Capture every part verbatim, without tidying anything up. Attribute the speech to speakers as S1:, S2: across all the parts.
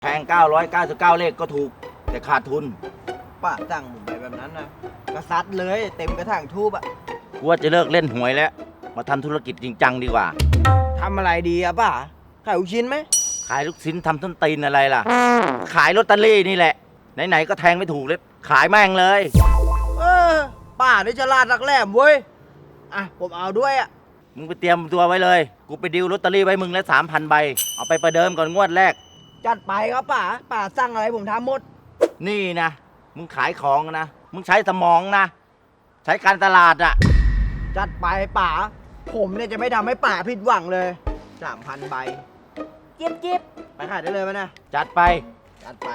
S1: แทงเก้าร้อยเก้าสิบเก้าเลขก็ถูกแต่ขาดทุน
S2: ป้าสั่งผมไปแบบนั้นนะกระซัดเลยเต็มกระถางทูบอะ
S1: กูว่าจะเลิกเล่นหวยแล้วมาทำธุรกิจจริงจังดีกว่า
S2: ทำอะไรดีอะป้าขายลูกชิ้นไหม
S1: ขายลูกชิ้นทำต้นตีนอะไรล่ะขายลอตเตอรี่นี่แหละไหนๆก็แทงไม่ถูกเลยขายแม่งเลย
S2: เออป้าได้ฉลาดรักแหลมเว้ยอ่ะผมเอาด้วยอะ
S1: มึงไปเตรียมตัวไว้เลยกูไปดิวลอตเตอรี่ไว้มึงแล้วสามพันใบเอาไปประเดิมก่อนงวดแรก
S2: จัดไปครับป้าป้าสั่งอะไรผมทำหมด
S1: นี่นะมึงขายของนะมึงใช้สมองนะใช้การตลาดอะ
S2: จัดไปป้าผมเนี่ยจะไม่ทำให้ป้าผิดหวังเลยสามพันใบจิ๊บจิ๊บไปขายได้เลยไหมนะ
S1: จัดไป
S2: จัดไป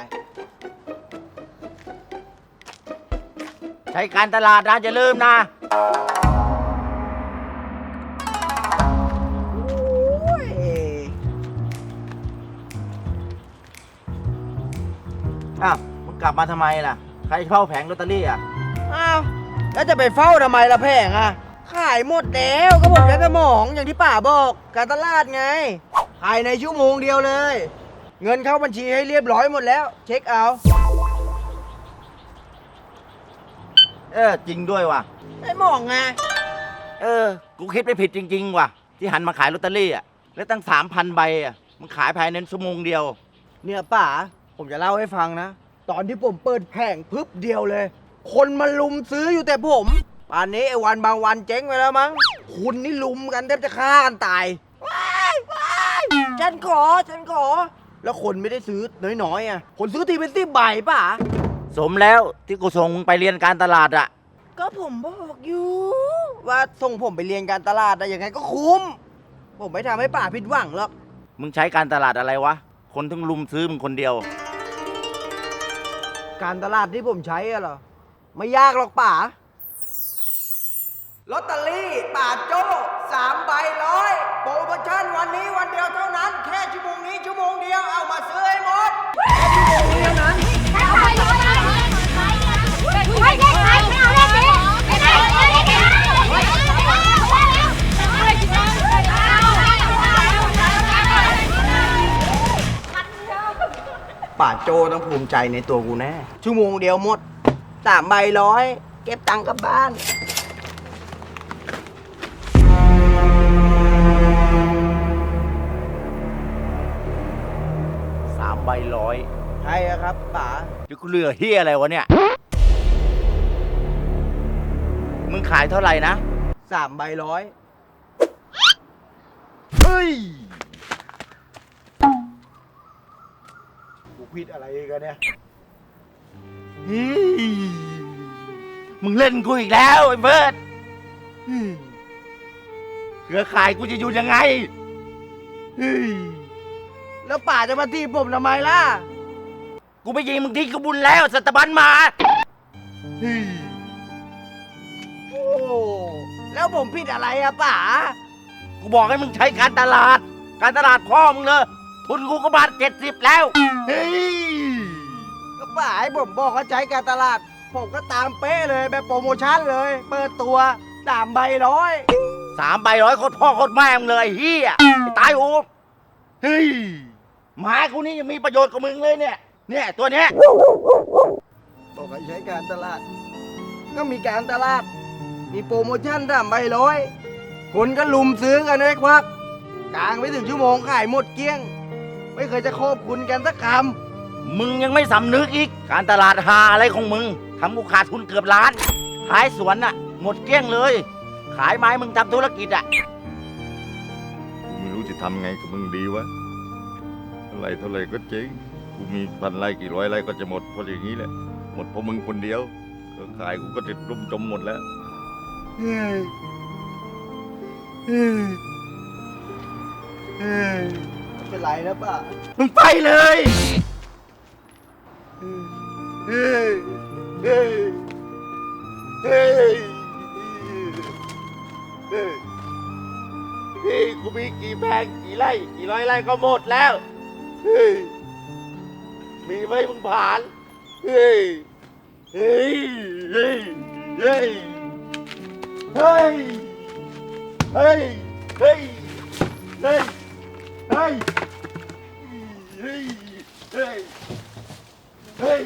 S1: ใช้การตลาดนะอย่าลืมนะอ้าวมึงกลับมาทำไมล่ะใครเฝ้าแผงลอตเตอรี่อ่ะ
S2: อ้าวแล้วจะไปเฝ้าทำไมล่ะแผงอ่ะขายหมดแล้วก็ผมใช้สมองอย่างที่ป้าบอกการตลาดไงขายในชั่วโมงเดียวเลยเงินเข้าบัญชีให้เรียบร้อยหมดแล้วเช็คเอา
S1: เออจริงด้วยว่ะ
S2: ไอ้หมองไง
S1: เออกูคิดไม่ผิดจริงๆว่ะที่หันมาขายลอตเตอรี่อ่ะแล้วตั้งสามพันใบอ่ะมึงขายภายในชั่วโมงเดียว
S2: เนี่ยป้าผมจะเล่าให้ฟังนะตอนที่ผมเปิดแผงพึบเดียวเลยคนมาลุมซื้ออยู่แต่ผมป่านนี้ไอ้วันบางวันเจ๊งไปแล้วมั้งคุณนี่ลุมกันแทบจะฆ่ากันตายว้ายว้ายฉันขอฉันขอแล้วคนไม่ได้ซื้อน้อยๆอ่ะคนซื้อทีเป็นสิบใบป่ะ
S1: สมแล้วที่กูส่งมึงไปเรียนการตลาดอ่ะ
S2: ก็ผมบอกอยู่ว่าส่งผมไปเรียนการตลาดอะยังไงก็คุ้มผมไม่ทำให้ป่าผิดหวังหรอก
S1: มึงใช้การตลาดอะไรวะคนถึงลุมซื้อมึงคนเดียว
S2: การตลาดที่ผมใช้อะเหรอไม่ยากหรอกป่าลอตเตอรี่ป่าโจ้สามใบร้อยโปรโมชั่นวันนี้วันเดียวเท่านั้นแค่ชั่วโมงนี้ชั่วโมงเดียวเอามาซื้อให้หมดแค่ชั่วโมงนี้เท่านั้น
S3: แค่ใบร้อยไม่ได้ขายไม่เอาเลขนี้ไม่ได้เอาเลขนี้
S2: ป่าโจต้องภูมิใจในตัวกูแน่ชั่วโมงเดียวหมดสามใบร้อยเก็บตังค์กลับบ้าน
S1: สามใบร้อย
S2: ใช่ครับป๋า
S1: เดี๋ยวกูเหลือเฮียอะไรวะเนี่ยมึงขายเท่าไหร่นะ
S2: สามใบร้อยเฮ้ยกูผิดอะไรกันเนี่ย
S1: มึงเล่นกูอีกแล้วไอ้เบิร์ดเครือข่ายกูจะอยู่ยังไง
S2: แล้วป่าจะมาตีผมทำไมล่ะ
S1: กูไปยิงมึงที่กบุญแล้วสัตบันมา
S2: โอ้แล้วผมผิดอะไรอะป่า
S1: กูบอกให้มึงใช้การตลาดการตลาดพ่อมึงเลยทุนกูก็บาทเจ็ดสิบแล้วเฮ้ย
S2: ก็ป่าให้ผมบอกว่าใช้การตลาดผมก็ตามเป๊ะเลยแบบโปรโมชั่นเลยเปิดตัวสามใบร้อย
S1: สามใบร้อยโคตรพ่อโคตรแม่มึงเลยเฮียตายหูเฮ้ยหมากูนี่ยังมีประโยชน์กับมึงเลยเนี่ยเนี่ยตัวเนี้ย
S2: บอกให้ใช้การตลาดก็มีการตลาดมีโปรโมชั่นสามใบร้อยคนก็ลุมซื้อกันเลยครับกลางไม่ถึงชั่วโมงขายหมดเกลี้ยงไม่เคยจะขอบคุณกันสักค
S1: ำมึงยังไม่สำนึกอีกการตลาดหาอะไรของมึงทำกูขาดทุนเกือบล้านขายสวนน่ะหมดเกลี้ยงเลยขายไม้มึงทำธุรกิจอ่ะ
S4: ไม่รู้จะทำไงกับมึงดีวะอะไรเท่าไรก็เจ๊งกูมีพันไร่กี่ร้อยไร่ก็จะหมดเพราะอย่างนี้แหละหมดเพราะมึงคนเดียวก็ขายกูก็ติดลุ่มจมหมดแล้ว
S2: เฮ้ยเฮ้ยเฮ้ยไม่เป็นไรนะป้า
S1: มึงไปเลย
S2: เฮ้ยเฮ้ยเฮ้ยเฮ้ย
S1: พี่กูมีกี่แปลงกี่ไร่กี่ร้อยไร่ก็หมดแล้วเฮ้ยมีไหมมึงผ่านเฮ้ยเฮ้ยเฮ้ยเฮ้ยเฮ้ยเฮ้ยเฮ้ยเฮ้ยเฮ้ยเฮ้ยเฮ้ย เฮ้ย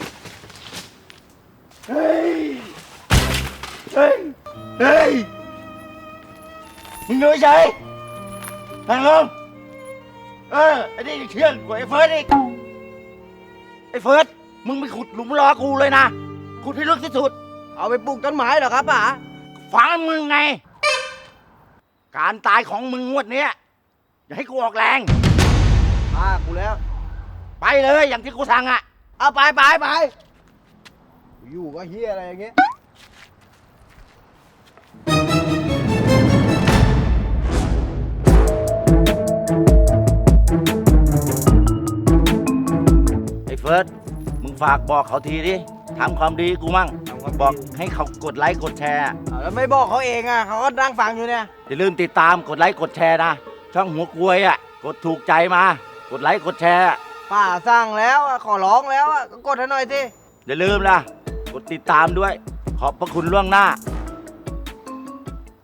S1: เฮ้ย เฮ้ย เฮ้ย มึงดูเฉยนั่งลงเออไอ้นี่เชื่องกว่าไอ้เฟิร์สอีกไอ้เฟิร์สมึงไปขุดหลุมรอกูเลยนะ ขุดให้ลึกที่สุด
S2: เอาไปปลูกต้นไม้เหรอครับป๋า
S1: ฟังมึงไง การตายของมึงงวดเนี้ยอย่าให้กูออกแรง
S2: ป้ากูแล้ว
S1: ไปเลยอย่างที่กูสั่งอ่ะ
S2: เอาไปไปไปอยู่ก็เฮียอะไรอย่างเงี้ย
S1: ไอ้เฟิร์สมึงฝากบอกเขาทีดิทำความดีกูมั่งบอกให้เขากดไลค์กดแชร์
S2: เอาแล้วไม่บอกเขาเองอ่ะเขาก็นั่งฟังอยู่เนี่ย
S1: อย่าลืมติดตามกดไลค์กดแชร์นะ ช่องหัวกลวยอ่ะ กดถูกใจมา กดไลค์กดแชร์
S2: ป้าสั่งแล้วอะขอร้องแล้วอะก็กดให้หน่อยสิ
S1: อย่าลืมนะกดติดตามด้วย ขอบพระคุณล่วงหน้า